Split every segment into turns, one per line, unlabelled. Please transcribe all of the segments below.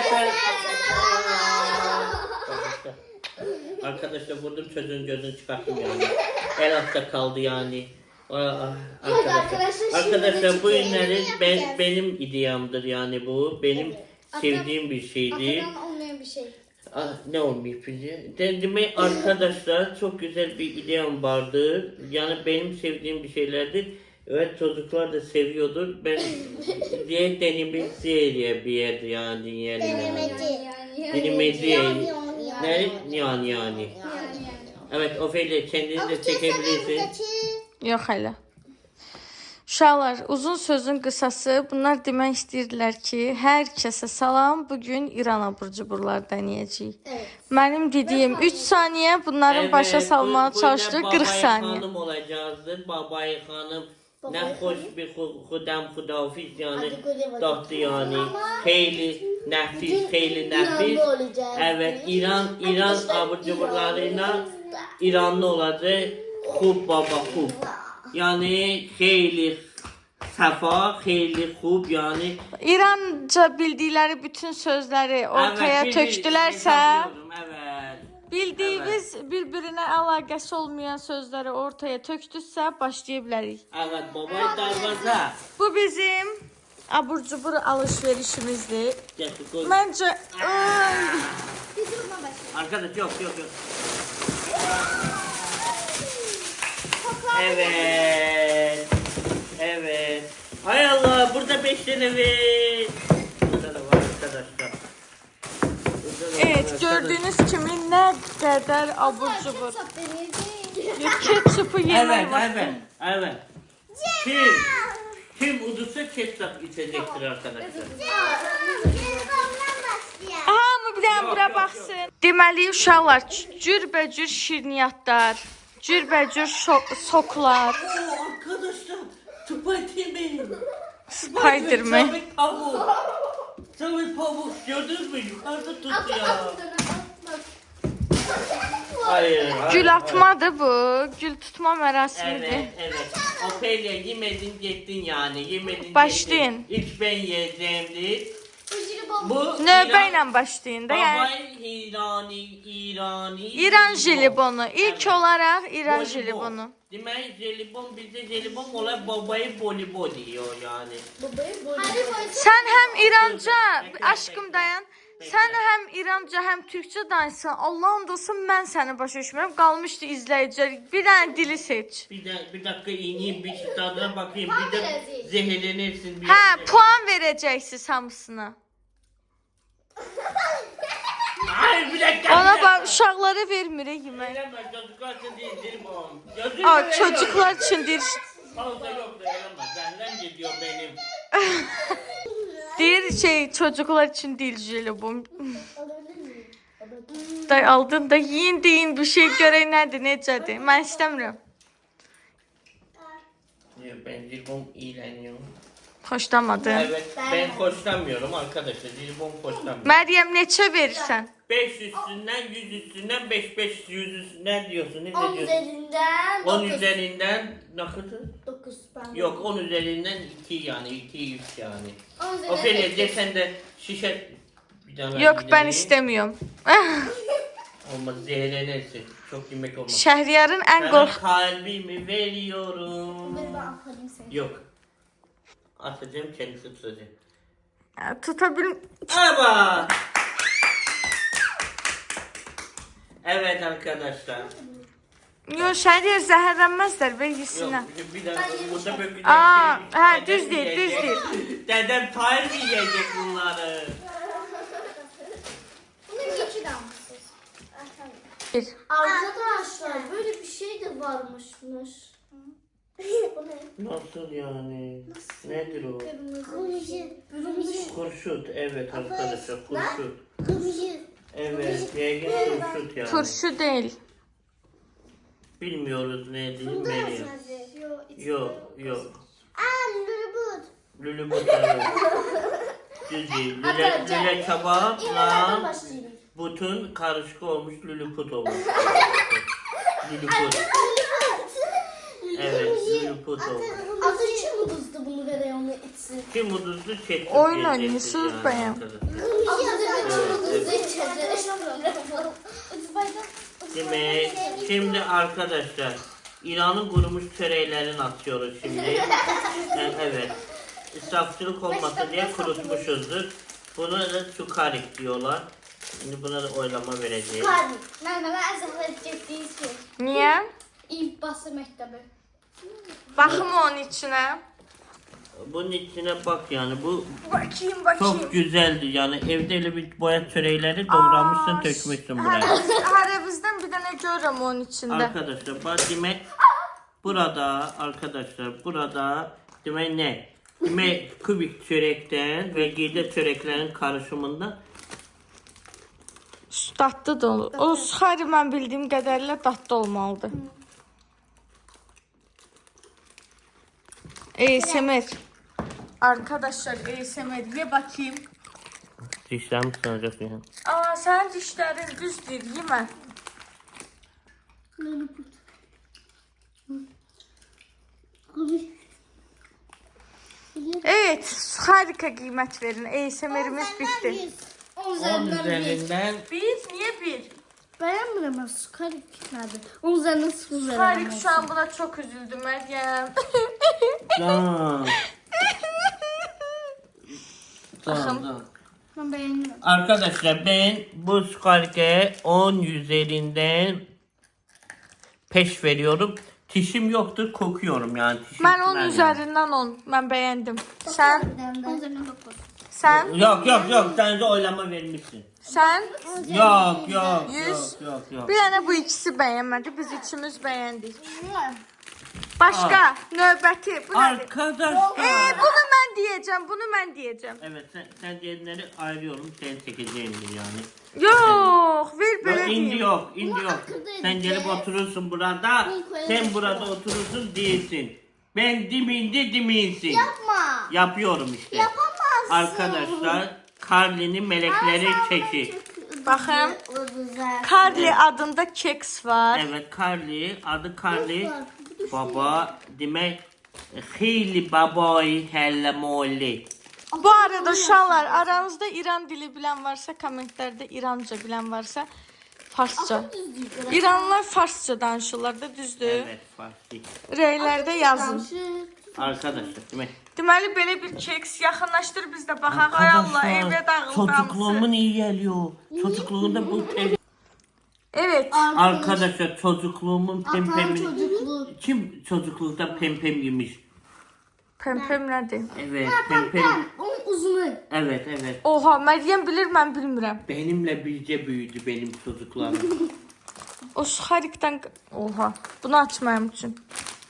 Arkadaşlar vurdum çocuğun gözünü çıkarttım yani. El altta kaldı yani. Arkadaşlar bu ürünlerin benim ideamdır yani bu. Benim sevdiğim bir şeydi.
Atakan olmayan bir şey.
Ne olmuyor bize? Demek arkadaşlar çok güzel bir ideam vardı. Yani benim sevdiğim bir şeylerdi. Evet çocuklar da seviyordur. Ben diye denemeci bir yer yani yerine. Denemeci. Ne? Yani. Evet Ofelia kendini de çekebilirsin.
Yox hələ. Uşaqlar, uzun sözün qısası, bunlar demək istəyirdilər ki, hər kəsə salam, bugün İran abur-cuburlar denəyəcəyik.
Evet.
Mənim dediyim 3 saniyə, bunların başa salmağa çalışdıq 40 saniyə.
Babayi Hanım olacağızdır. Babayi Hanım ne hoş bir hudafiz yani tatlı yani. Heyli nefis. Evet İran abur-cuburlarıyla İranlı olacak. Xub baba xub. Yani heyli səfa, heyli xub yani.
İranca bildikləri bütün sözləri ortaya tökdülərsə,
Evet.
bildiyimiz bir-birinə əlaqəsi olmayan sözləri ortaya tökdüsə, başlaya bilərik.
Evet babayı darvaza.
Bu bizim abur-cubur alışverişimizdir.
Getir koy.
Məncə
Biz bununla başlayalım.
Arkadaş yok. Evet. Hay Allah burada 5 tane var. Burada da var arkadaşlar.
evet, gördüyünüz kimi nə qədər abur-cubur.
Çok deneyeceğim.
Ketçupu yemək var.
Evet. Kim udursa ketçap içecektir arkadaşlar.
Hamı bir dənə bura baxsın. Deməli uşaqlar, cürbəcür şirniyyatlar, cürbəcür soklar.
Arkadaşlar Spiderman.
Spiderman.
Tabii pamuk gördünüz mü? Yukarıda tut ya. Hayır.
Gül atmadır bu. Gül tutma mərasimidir.
Evet. Ofelia yemedin gittin yani. Yemedin
Başlayın.
gittin. İlk ben yiyeceğimdi. Bu
Növbə ilə başlayın da. Yəni
Babay İrani.
İran jelibonu. İlk olaraq İran jelibonu.
Demek jelibon bizde jelibon olarak babayı bolibo diyor yani.
Sən həm İranca, aşkım dayan. Sən həm İranca, həm Türkçə danışsan. Allahın dostu mən səni başa düşmürəm. Qalmışdı izləyicilər. Bir dənə dili seç.
Bir dakika ineyim bir tadına bakayım. Bir de zehirlenirsin.
Hə, puan verəcəksiniz hamısına.
Hayır bir dakika.
Ona bax, uşaqlara vermirik yemək.
Veremez çocuklar için değil jelibon.
Çocuklar üçündür.
Fazla yok da veremez. Benden gidiyor benim.
Deyir çocuklar üçün deyil jelibon. Day aldın da yiyin deyin bir şey görək nədir, necədir. Mən istəmirəm.
Ben jelibon iğreniyorum.
Xoşlamadım.
Evet ben hoşlanmıyorum arkadaşlar. Jelibon hoşlanmıyorum.
Məryəm neçə verirsən?
5 üstünden 100 üstündən 5 100 üstünden diyorsun. Ne
10
diyorsun?
üzerinden
10
9.
üzerinden ne kadar?
9 ben.
Yok 10 üzerinden 2 yani 2 3 yani.
10 üzerinden
Ofelia
sekiz.
sen de şişe bir tane
Yox,
yine
mən
vereyim.
istəmirəm.
Olmaz zehirlenirsin. Çok yemek olmaz.
Şəhriyarın ən
Sana
qorx...
kalbimi veriyorum.
Ben alayım seni.
Yok. Atacağım kendisi tutacak.
Tuta bilm...
Aba! Evet arkadaşlar.
Yox, şəhriyar zəhərlənməzlər, ver yesinlər.
Yok bir dakika burada böyle bir
Aa,
şey-
hə,
dedem
düz deyil, düz
yiyecek.
deyil.
Dedem Tahir yiyecek bunları.
Bunun geçi damlasız.
Bir.
Arkadaşlar böyle bir şey de varmışmış. Bu ne?
Nasıl yani? Nedir o?
Kırmızı.
Kurşut evet arkadaşlar kurşut.
Kırmızı.
Evet yaygın kurşut yani.
Turşu deyil.
Bilmiyoruz ne diyeyim Meryem. Yok.
Lülübut.
Lülübut evet. Düz değil. Lüle kebapla
başlayalım.
butun karışık olmuş lülüput olmuş. Lülüput. Evet lülüput olmuş.
Adı için uduzdu bunu verək onu içsin?
Kim uduzdu çekti.
Oyun oynuyorsunuz bayağı.
Demek şimdi arkadaşlar İran'ın kurumuş çöreklerini atıyoruz şimdi. Evet. İsrafçılık olmasın diye kurutmuşuzdur. Buna da sukarik diyorlar. Şimdi buna da oylama vereceğiz.
Mənə əzəmət getdiyiz ki.
Niye?
İlk bası məktəbi.
Bakım onun içine.
Bunun içine bak yani bu
Bakayım
çok güzeldi yani evde öyle bir boya çörekleri doğramışsın dökmüşsün buraya.
Her bizden bir tane görürüm onun içinde.
Arkadaşlar bak demek burada arkadaşlar burada demek ne? Demek kubik çörekten ve giyde çöreklerin karışımında
Dadlı da olur. O suxari mən bildiyim qədərilə dadlı olmalıdır. ASMR. Arkadaşlar ASMR ye bakayım.
dişlerimi sınacak yani.
Aa sənin dişlərin düzdür, yemə. Evet, harika qiymət verin. ASMR'imiz bitti.
10
10
üzərindən 1.
üzerinden
Bir, niye bir?
Bəyənmirəm mən sukarik nədir? 10 üzərindən 0 verəm.
Harik şu an buna çok üzüldüm Meryem.
Can. Can.
Mən bəyənmirəm.
Arkadaşlar ben bu skalke 10 üzerinden peş veriyorum. Dişim yoktur kokuyorum yani. Dişim
Mən onun
yani.
üzərindən 10. Mən bəyəndim. Sən?
10 üzərindən 9.
Sən?
Yok sen de oylama vermişsin.
Sən?
Yok.
100. Bir dənə bu ikisi bəyənmədi. Biz üçümüz bəyəndik. Başka növbəti. Bu nədir?
Arkadaşlar.
Bunu mən deyəcəm. Bunu mən deyəcəm.
Evet sen diğerleri ayırıyorum. Sen çekeceğimdir yani.
Yox, ver belə
Yok, indi
deyim.
yok, indi yok. Sen gelip oturursun burada. Sen burada oturursun değilsin. Ben diminsin.
Yapma.
Yapıyorum işte.
Yapamazsın.
Arkadaşlar Carly'nin melekleri çeki.
Baxın.
Güzel.
Carly adında keks var.
Evet Carly adı Carly. Baba demek Hili babayı helle molli.
Bu arada uşaqlar aranızda İran dili bilən varsa kommentlərdə İranca bilən varsa Farsça. İranlılar Farsça danışırlar da düzdür.
Evet Farsi.
Rəylərdə yazın.
Arkadaşlar demek.
Deməli belə bir keks yaxınlaşdır biz də baxaq. Ay Allah evə dağıldı.
çocukluğumun iyi geliyor. Çocukluğunda bu
Evet.
Arkadaşlar çocukluğumun pempemi.
Çocukluğu.
Kim çocuklukta pempem yemiş?
Pempem nədir?
Evet pempem.
Onun uzunu.
Evet.
Oha, Məryəm bilir, mən bilmirəm.
Benimle birce büyüdü benim çocuklarım.
O suxarikdən... Oha, bunu açmayım üçün.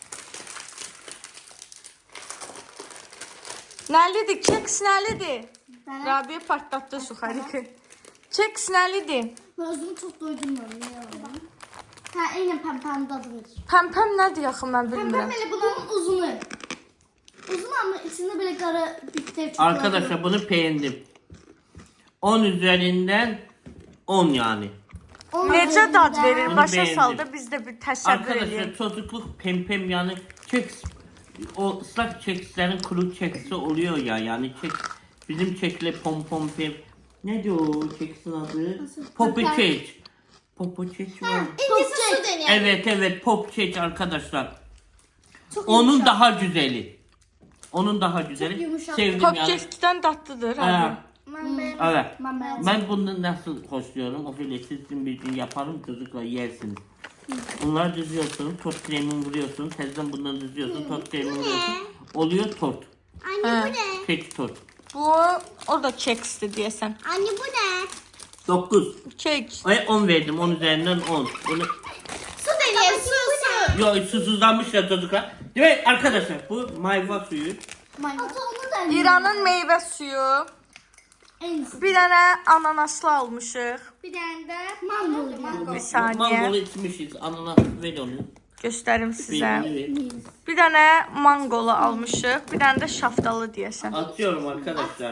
Nəlidir? Keks nəlidir? Rabiyə partlatdı suxariki. Keks nəlidir?
Ben özümü çok doydum ben. Ha aynen pempenin dadıdır.
Pempem nədir yaxı mən
Pempem
bilmirəm.
böyle bunun uzunu. Uzun ama içinde böyle kara bitter çikolata.
Arkadaşlar bunu beğendim. 10 üzerinden 10 yani.
Necə dad verir?
Bunu
Başa
beğendim.
sal da biz də bir təsəvvür
Arkadaşlar
edək.
çocukluk pempem yani keks o ıslak kekslerin kuru keksi oluyor ya yani kek bizim kekle pom pem ne diyor o keksin adı? Poppy cake. Poppy cake var.
İncisi su deniyor.
Evet pop cake arkadaşlar.
Çok
Onun
yumuşak.
daha güzeli. Onun daha güzeli.
yumuşak.
Sevdim
Pop
yani.
kekdən dadlıdır
Ha,
abi.
Ben beğendim.
evet.
Ben beğendim.
Ben bunu nasıl hoşluyorum? O file sizin bir gün yaparım çocuklar yersiniz. Bunları düzüyorsun, tost kremini vuruyorsun, tezden bunları düzüyorsun, tost kremini vuruyorsun. Oluyor tort.
Anne
Ha.
bu ne?
Kek tort.
Bu, o da keksdir deyəsən.
Anne bu ne?
9.
Kek.
Ay 10 verdim, 10 üzerinden 10. Bunu...
Su deniyor su.
Yo susuzlanmış ya çocuklar. Değil mi arkadaşlar? Bu mayva suyu.
Ata onu da
İranın meyvə suyu.
en iyisi.
Bir dənə ananaslı almışıq.
Bir tane de mango.
Bir saniye.
Mangolu içmişiz. Ananas ver onu.
Göstərim sizə.
Birini ver.
Bir dənə mangolu almışıq. Bir dənə də şaftalı deyəsən.
Atıyorum arkadaşlar.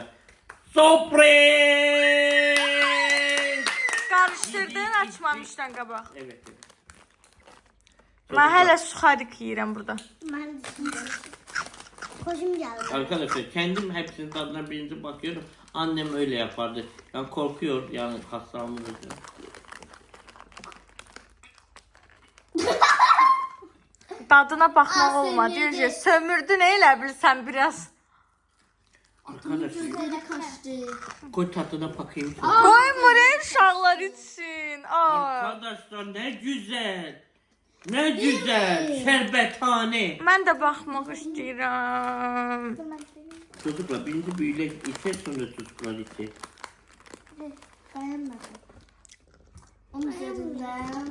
Sürpriz!
Qarışdırdın açmamışdan qabaq.
Evet.
Mən hələ suxarik yeyirəm burada.
Ben Koşum geldi.
Arkadaşlar kendim hepsinin tadına birinci bakıyorum. Annem öyle yapardı. Yani korkuyor yani hastalığımız için.
Dadına baxmaq
Aa,
olmadı.
sömürdü.
Yüce, sömürdün elə bilsən biraz.
Arkadaşlar
Gözleri kaçtı.
koy tadına bakayım.
Qoymur uşaqlar için. Aa.
Arkadaşlar ne güzel. Ne güzel. Şerbethane.
Mən də baxmaq istəyirəm.
Çocuklar birinci büyüyle içe sonra çocuklar içe.
Beğenmedim. Onun üzerinden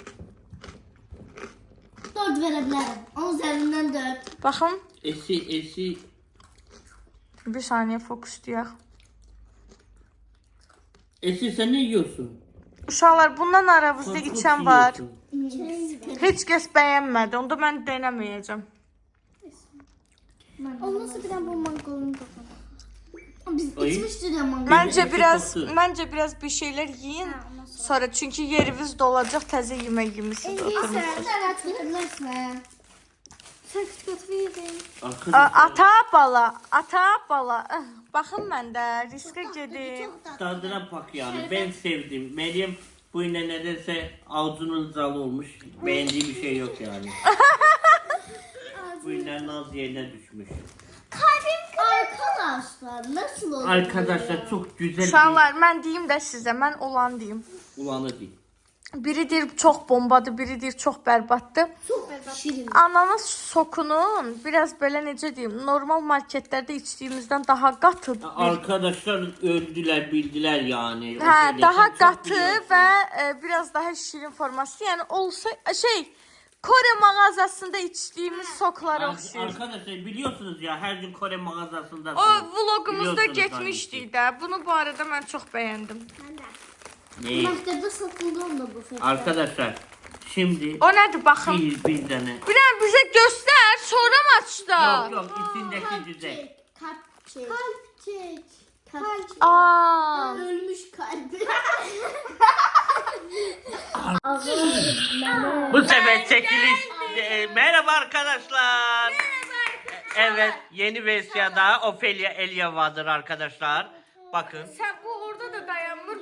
4 verebilirim. Onun üzerinden 4.
Baxın.
Esi
Bir saniyə fokuslayaq.
Esi sen ne yiyorsun?
Uşaqlar, bundan aranızda
Korkunç
içən var.
yiyorsun.
Heç kəs bəyənmədi. Onda mən denəməyəcəm.
O nasıl bir bu mangalın kafana? Biz
Ay.
içmiştik ya mangal.
Məncə biraz bir şeylər yeyin. Sonra çünki yeriniz dolacaq, təzə yemək yemisiniz. oturmusunuz.
Sen de verebilirsin. Sen küçük atı yedin.
Arkadaşlar
Ata bala. Baxın məndə riskə gedim.
tadına bak yani ben sevdim. Meryem bu yine nedense ağzının zalı olmuş. Beğendiği bir şey yok yani. Bu yine naz yerine düşmüş.
Arkadaşlar nasıl oldu?
Arkadaşlar çok güzel
Uşaqlar, mən deyim də sizə, mən olan deyim.
bir ulanı değil.
Biri deyir çox bombadır, biri deyir çox bərbaddır.
Çok şirin.
Ananas sokunun biraz belə necə deyim, normal marketlərdə içdiyimizdən daha qatı.
Arkadaşlar öldüler bildiler yani. O
Hə,
şeyde
daha
sen çok
qatı
biliyorsun.
və biraz daha şirin forması. Yəni olsa Kore mağazasında içdiyimiz soklara oxşayır.
Arkadaşlar biliyorsunuz ya her gün Kore mağazasında.
O vlogumuzda
Biliyorsunuz
getmişdik də. Bunu bu arada mən çox bəyəndim.
Ne?
Markette satıldı onda bu fiyatlar.
Arkadaşlar şimdi
O nədir baxın.
bir tane.
Bir dənə bizə göstər, sonra mı açdı?
Yok içindeki güzel.
Kalpçek. Kalpçek. Kalpçek.
Aa.
Ölmüş kalbi.
Bu sefer çekiliş. Merhaba arkadaşlar. Evet yeni versiyada Ophelia Elyava'dır arkadaşlar. Bakın
Sən bu orada da dayanmır.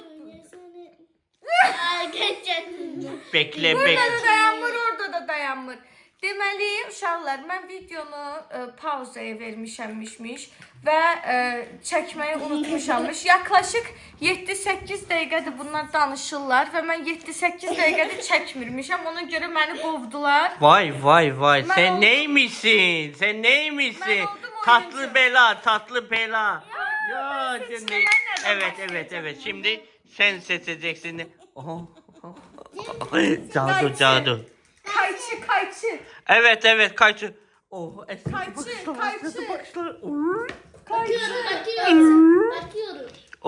bekle
Burada
bekle.
da dayanmır, orada da dayanmır. Deməli, uşaqlar, mən videonu pauzaya vermişəmmişmiş və çəkməyi unutmuşammış. Yaklaşık 7-8 dəqiqədir bunlar danışırlar və mən 7-8 dəqiqədir çəkmirmişəm. Ona görə məni qovdular.
Vay vay vay
Ben
sen
oldum.
neymişsin? Sen neymişsin?
Ben oldum
Tatlı
oyuncu.
bela, tatlı bela. Ya
seçmeden
şimdi
nereden
evet
başlayacağım?
şimdi sen seçeceksin. Cadu cadu.
Kayçı.
Evet kaçın. Oh,
Kayçı.
Bakıyorum.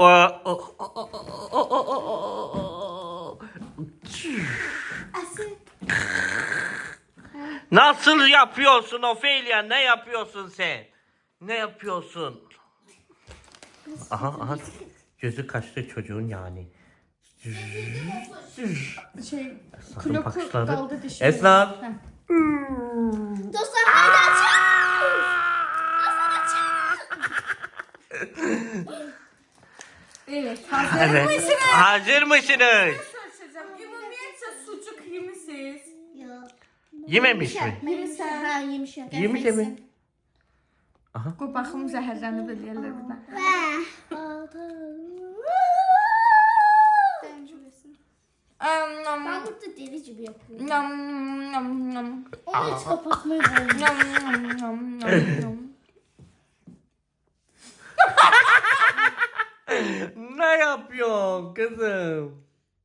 Nasıl yapıyorsun Ophelia? Ne yapıyorsun sen? Ne yapıyorsun? Aha. Gözü kaçtı çocuğun yani. Sakın bakışları. Esnaf.
Dostlar haydi açın.
Evet,
Evet. Hazır mısınız?
Ümumiyyətcə sucuk yemisiniz.
Yok.
Yememiş mi?
Yemişim. Ha yemişim.
Yemiş mi?
Qoy baxım zəhərlənib eləyərlər buradan.
Ben burada deli gibi yapıyorum.
Nam.
Onu hiç kapatmayı bilmiyorum.
Nam.
Ne yapıyorsun kızım?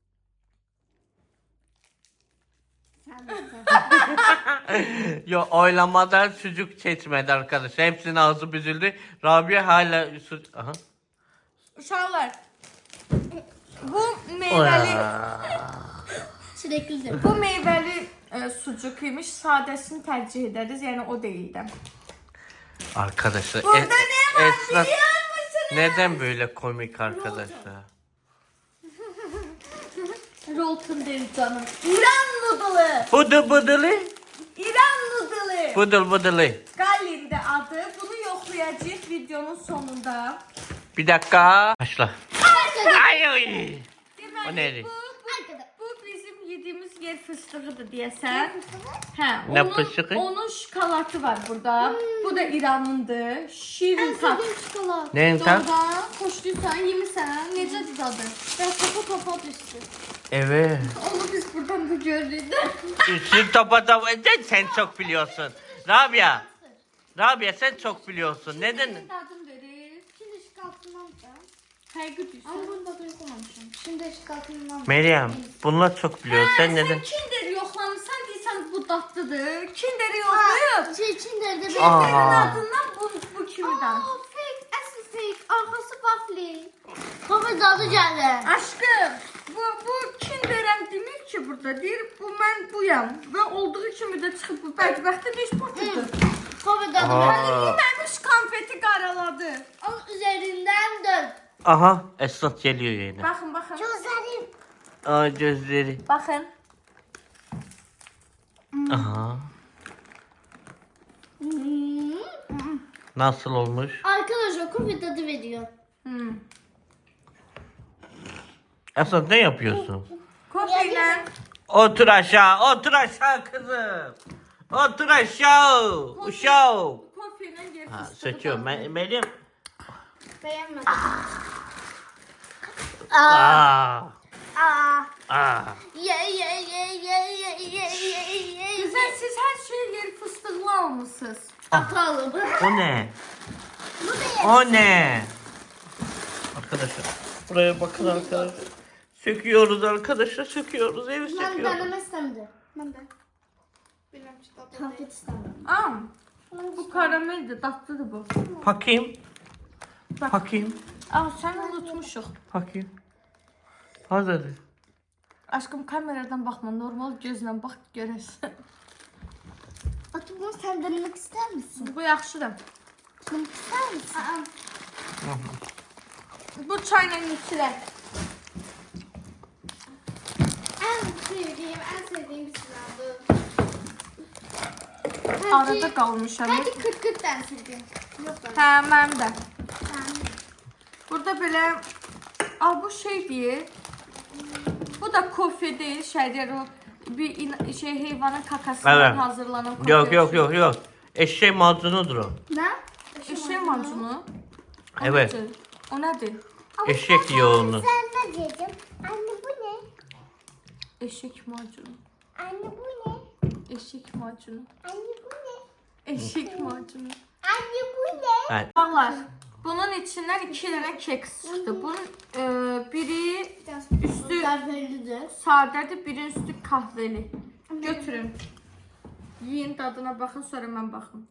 Yo oylamadan sucuk seçmedi arkadaşlar. Hepsinin ağzı büzüldü. Rabia hala Aha.
Uşaqlar, bu meyvəli
Çilekli.
Bu meyvəli sucuk imiş. Sadəsini tərcih ederiz. Yəni o deyil də.
Arkadaşlar
Burada ne var
Esnaf
biliyor musunuz?
neden böyle komik arkadaşlar?
Rolton değil canım. İran noodle'ı.
Bıdı bıdılı.
İran noodle'ı.
Bıdıl bıdılı.
Galin'de adı. Bunu söyleyəcəyik videonun sonunda.
Bir dakika. Başla. Ay oy. O
Deməli,
neydi?
bu bizim yediğimiz yer fıstığıdır deyəsən. Hə,
Ne
onun,
fıstığı?
onun şokolatı var burada. Bu da İranındır. Şirin tat.
Çikolata.
Neyin tam?
Doğrudan xoşlayırsan, yemirsən. Necədir dadı?
Ben topa düştü.
Evet.
Onu biz buradan da görürük.
Üstün topa topa. Sen çok biliyorsun. Rabia. Rabia sen çok biliyorsun. Neden?
Dadım verir.
Şimdi şikaltından da.
Fərqi düşsün.
Ama bunu da koymamışım. Şimdi şikaltından.
Meryem bunlar çok biliyor. Sen neden?
Sen Kinder yoxlamısan deyirsən bu dadlıdır. Kinder'i yoxlayıb.
Çinlerde bir.
Aa.
Kinderin adından bu kimidən.
Fake. Asıl fake. Arkası waffle. Kafa dadı geldi.
Aşkım, bu Kinder'əm demir ki burada. Deyir bu mən buyam. Və olduğu kimi də çıxıb bu bədbəxtin iş potudur.
Kafa dadı
Aa.
geldi.
Yeməmiş konfeti qaraladı.
Onun üzerinden dön.
Aha Esnaf geliyor yine.
Baxın, baxın.
Gözlerim.
Aa gözleri.
Baxın.
Aha. Nasıl olmuş?
Arkadaşlar kafa tadı veriyor.
Hmm.
Esnaf ne yapıyorsun?
Kofeyle
Otur aşağı kızım. Otur aşağı. Uşağım.
kofeyle yer
Ha,
fıstığı
söküyorum.
tatlı.
Meryem.
Beğenmedim.
Aa.
Aa.
Aa.
Güzel, siz her şeyi yer fıstıqlı almışsınız.
Atalım.
O ne?
Bu da
O ne? Arkadaşlar buraya bakın arkadaşlar. Söküyoruz arkadaşlar, söküyoruz, evi
Ben
söküyoruz.
deneme istemedim. Ben de. Bilmem çikolata. Konfet istemedim.
Aa, bu karameldir, tatlıdır bu.
Bakayım. Bakayım.
Aa, sen unutmuşuq.
Bakayım. Hazır.
Aşkım kameradan baxma, normal gözlə bax görəsən.
Atı bunu sen denemek ister misin?
Bu yaxşıdır.
Denemek ister misin?
Bu çayla içilər.
En sevdiğim bir sınavdı.
Arada qalmışam.
Bence 40-40 ben sevdiğim. Yok ben.
Hə, mənim də. Burada belə Aa, bu şey deyil. Bu da kofe deyil, şəhər o bir heyvanın kakasından
Evet.
hazırlanan kofe.
Yok. Eşek macunu o.
Ne?
Eşek macunu. O
Evet.
nədir? O nədir?
Eşek yoğunu.
Sen ne diyeceğim? Anne bu ne?
Eşek macunu.
Anne bu ne?
Eşek macunu.
Anne bu ne?
Eşek macunu.
Anne bu ne?
Evet.
Bağlar. Bunun içindən 2 dənə keks çıxdı. Bunun biri üstü
Kahvelidir.
sadədir, biri üstü kahveli. Götürün. Yiyin, dadına baxın, sonra mən baxım.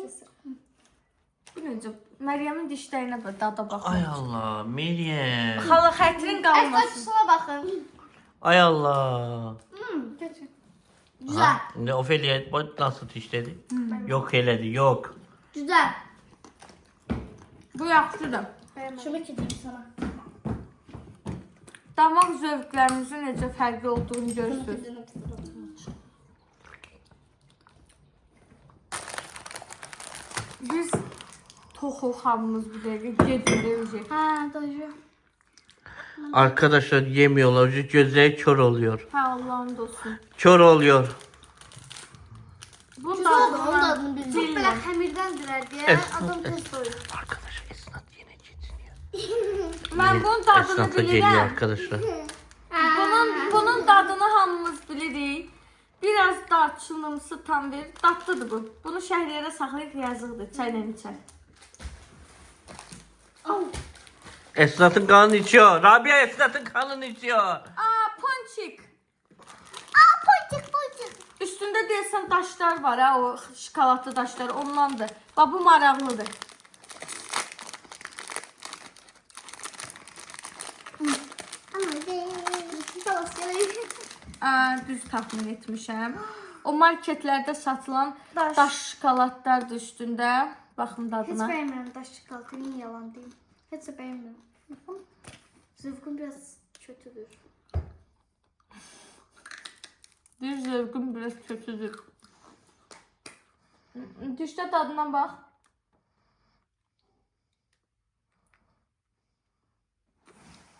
Bu necə? Məryəmin dişlərinə bax, dada baxın.
Ay Allah, Meryem.
Xala xətrin qalmasın.
Şuna bakın.
Ay Allah.
Götür. Güzel.
Ha, ne Ofelia bak nasıl dişledi? Yok eledi, yok.
Güzel.
Bu yaxşıdır.
Şunu getireyim sana.
Damaq zövqlərimizin necə fərqli olduğunu görürsünüz. Biz toxuq hamımız bir dəqiqə gedirik.
Ha doğru.
Arkadaşlar yemiyorlar, gözleri kör oluyor.
Hə, Allah'ın olsun.
Kör oluyor.
Bu
Güzel oldu. Onun
dadına
adını bildim. Çok böyle hamirdendiler diye adam test koyuyor.
Arkadaşlar Esnaf yine getiriyor.
mən bunun dadını
Esnaf da geliyor
bilirəm.
arkadaşlar.
Bunun dadını hamımız bilirik. Biraz darçınımsı tam verir. Dadlıdır bu. Bunu şəhriyərə saxlayıb yazıqdır. Çayla içər.
Esnaf'ın kanını içiyor. Rabia Esnaf'ın kanını içiyor.
Aa, ponçik.
Ponçik.
Üstündə deyəsən daşlar var ha, o şokoladlı daşlar ondandır. Bax bu maraqlıdır. Düz təxmin etmişəm. O marketlərdə satılan daş şokoladlardır üstündə. Baxın
Hiç
dadına.
beğenmiyorum daş çikolatayı, yalan değil. Hiç de beğenmiyorum. Zıvkın biraz kötüdür.
Bir zövqüm biraz kötüdür. Dişdə dadına bax.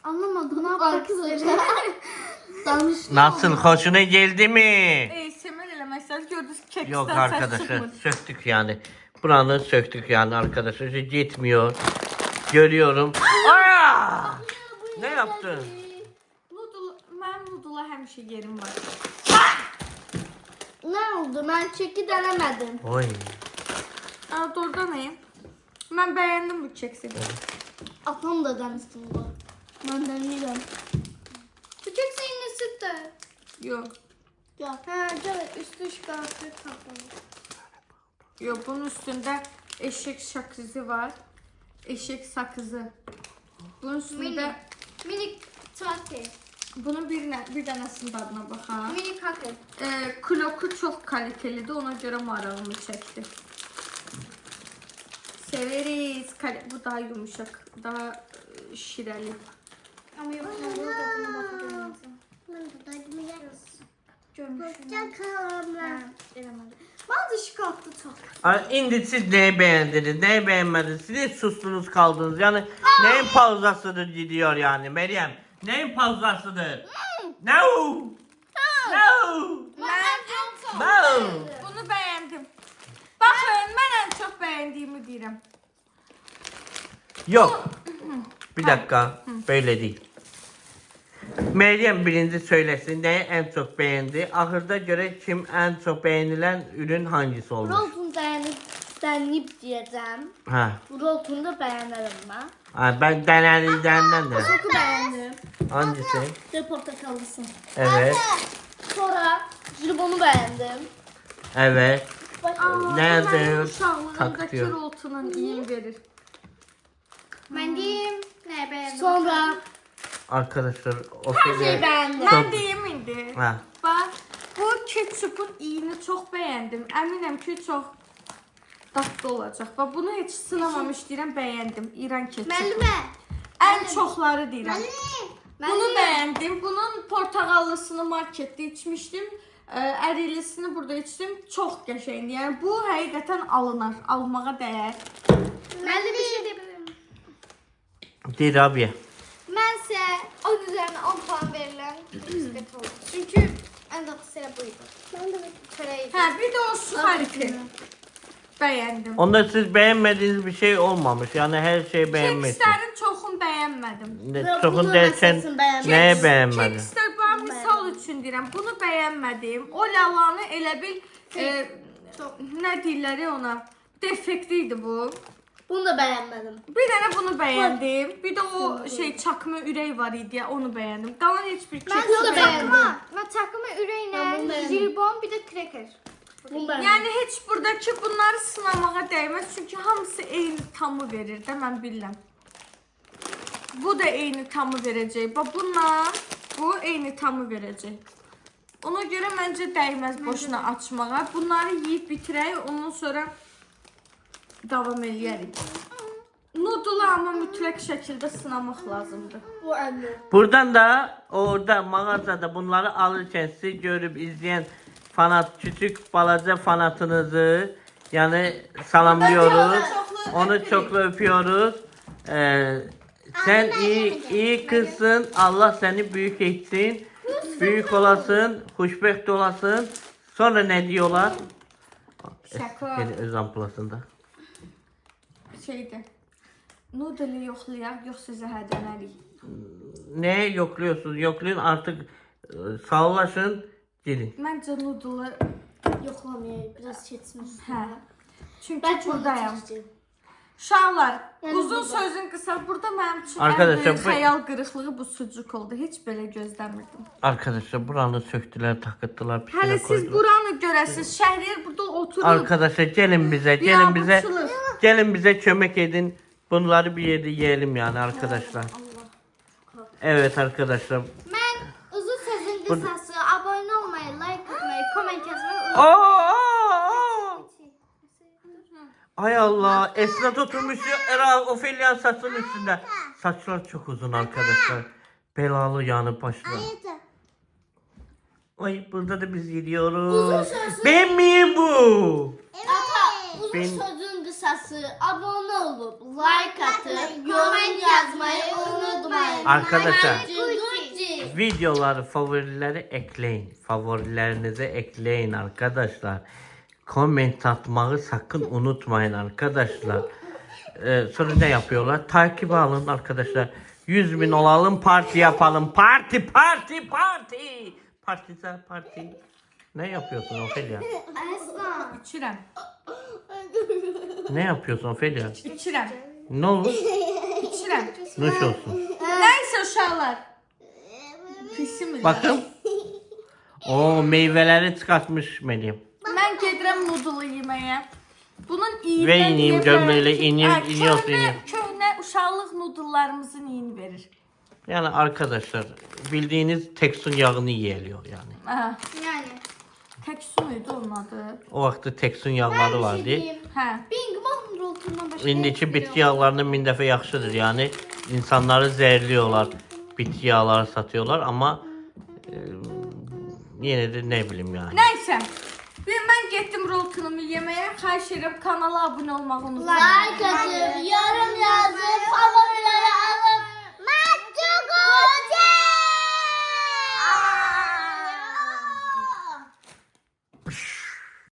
Anlamadım. Ne yapmak üzere? Danış.
Nasıl, hoşuna geldi mi?
Semer eləməklər gördünüz keksten
Yok
ses
arkadaşlar,
çıkmır.
söktük yani. Buranı söktük yani arkadaşlar. İşte gitmiyor. Görüyorum. Aa! Ne yaptın?
Mənim nudula həmişə yerim var.
Ne oldu? Ben çeki denemedim.
Oy.
Doğrudan neyim? Mən bəyəndim bu keksi.
Atam da denesin bu. Ben deneyeceğim. Bu kek senin sütte.
Yox.
Ya. Ha, evet. Üstü şikayetli kapalı.
Yox, bunun üstündə eşek sakızı var. Eşek sakızı. Bunun üstündə
Minik take.
bunun bir dənəsinin dadına baxaq.
Minik hake.
Kloku çox kalitelidir, ona görə marağımı çəkdi. Severiz. Bu daha yumuşak, daha şirəli.
Ama yok. Ben burada buna bakacağım. Bazı şikayetli çok.
Şimdi siz neyi beğendiniz, neyi beğenmediniz? Siz hiç sustunuz kaldınız. Yani neyin pauzasıdır gidiyor yani Meryem? Neyin pauzasıdır? No! No! No!
Bunu bəyəndim. Baxın, mən ən çox bəyəndiyimi deyirəm.
Yok. Bir dakika. Böyle değil. Meryem birinci söylesin neyi en çok beğendi. Ahırda göre kim en çok beğenilen ürün hangisi olmuş?
Roltun deneyip diyeceğim.
Ha.
Bu roltunu da beğenirim ben.
Ha, ben denenilenden de.
Çok beğendim.
Hangisi?
De portakallısın.
Evet.
Sonra jilbonu beğendim.
Evet. Nerede?
Mənim uşaqlığımdakı
Takıyor.
roltunun iyi verir.
Ben diyeyim. Ne beğendim? Sonra
Arkadaşlar o
şey
şeyler
beğendim.
Mən deyim indi.
Ha.
Bax, bu ketçupun iyini çox bəyəndim. Əminəm ki, çox dadlı olacaq. Bax, bunu heç sınamamış deyirəm, bəyəndim. İran ketçupu.
Müellime.
Ən çoxları deyirəm. Bunu
Müellime.
bəyəndim. Bunun portağallısını marketdə içmişdim. Ərilisini burada içdim. Çox qəşəngdir. Yəni bu həqiqətən alınar, almağa dəyər.
Ben de bir şey diyebilirim.
Değil abi.
Bense 10 üzerinden 10 puan verilen bisiklet oldu. Çünkü en tatlı sıra buydu. Ben de çöreği.
Hə, bir də o suxariki. Bəyəndim.
Onda siz beğenmediğiniz bir şey olmamış. Yani her şeyi beğenmişsiniz.
Kekslərin çoxunu bəyənmədim.
Ne, Çokun dersen neye beğenmedin?
Kekslər bax misal üçün deyirəm, bunu bəyənmədim. O lalanı elə bil nə deyirlər ona? Defekti idi bu.
Bunu da beğenmedim.
Bir dənə bunu bəyəndim. Bir də o çakma ürək var idi ya, onu bəyəndim. Qalan heç bir
Ben
keks
bunu da
bəyənmədim.
beğendim. Ben takımı üreğine, jilbon bir de cracker. Bunu beğendim.
Yəni heç buradakı bunları sınamağa dəyməz, çünki hamısı eyni tamı verir də, mən bilirəm. Bu da eyni tamı verəcək. Bax bununla bu eyni tamı verəcək. Ona görə məncə dəyməz boşuna açmağa. Bunları yeyib bitirək, ondan sonra davam eləyərik. Nudulu amma mütləq şəkildə sınamaq lazımdır.
Bu anne.
Buradan da orada mağazada bunları alırken sizi görüp izleyen fanat, küçük balaca fanatınızı yani salamlıyoruz. Onu çok öpüyoruz. Sen iyi kızsın. Allah seni büyük etsin. Büyük olasın. Hoşbeht olasın. Sonra ne diyorlar?
Şaka.
Yine öz amplasında.
Şeydir. Nudulu yoxlayaq, yoxsa zəhərlənərik.
Ne yokluyorsunuz? Yoklayın artık sağlaşın. Gelin.
Məncə nudulu,
Yoklamayayım. Biraz çetsin.
hə. Çünki
Ben çok
buradayam.
seçtim.
Uşaqlar,
Yəni
uzun
burada.
sözün qısa, burada mənim üçün
Arkadaşlar,
ən böyük
bu-
xəyal qırıqlığı bu sucuk oldu. Heç belə gözləmirdim.
Arkadaşlar buranı söktüler, takıttılar,
Hələ
pisine
siz
koydular.
buranı görəsiz. Şəhriyar burada oturub.
Arkadaşlar gelin bize, gelin
Ya, bu
bize,
çılır.
gelin bize kömek edin. Bunları bir yerde yiyelim yani arkadaşlar. Evet arkadaşlar.
Ben uzun sözün kısası abone olmayı, like atmayı, comment yazmayı
Aa! Ay Allah, Esnat oturmuş ya, Ofelia'nın saçının üstünde. Saçlar çok uzun arkadaşlar. Belalı yanı başlar.
unutmayın.
Ay burada da biz gidiyoruz.
Uzun sözün-
Ben miyim bu?
Ata, uzun
Ben-
sözün kısası. qısası abone olup like atıp yorum yazmayı unutmayın.
Arkadaşlar
Gucci.
videoları favorileri ekleyin. Favorilerinize ekleyin arkadaşlar. Comment atmayı sakın unutmayın arkadaşlar. Sonra ne yapıyorlar? Takip alın arkadaşlar. 100.000 olalım, parti yapalım. Parti. Partize parti. Ne yapıyorsun Ofelia?
Aslan.
İçirəm.
Ne yapıyorsun Ofelia?
İçirəm.
Ne olur?
İçirəm.
Nuş olsun.
Nəysə uşaqlar. Pisim.
Bakın. O meyveleri çıkartmış Meryem.
Mən gedirəm noodle yeməyə. Bunun iyindən
Ve ineyim gömleğiyle iniyorsun.
Köhnə uşaqlıq noodlelarımızın iyini verir.
Yani arkadaşlar bildiğiniz Teksun yağını yiyeliyor yani.
Hə.
Yani.
Tək su muydu onun adı?
O vakti Teksun yağları vardı.
Hə.
Bing bong roltundan başka.
İndiki bitki yağlarının min dəfə yaxşıdır. Yani insanları zehirliyorlar. Bitki yağları satıyorlar ama yine de ne bileyim yani.
Nəysə. Mən getdim roltunumu yeməyə. Xahiş edirəm kanala abunə olmağı unutmayın.
Like atın.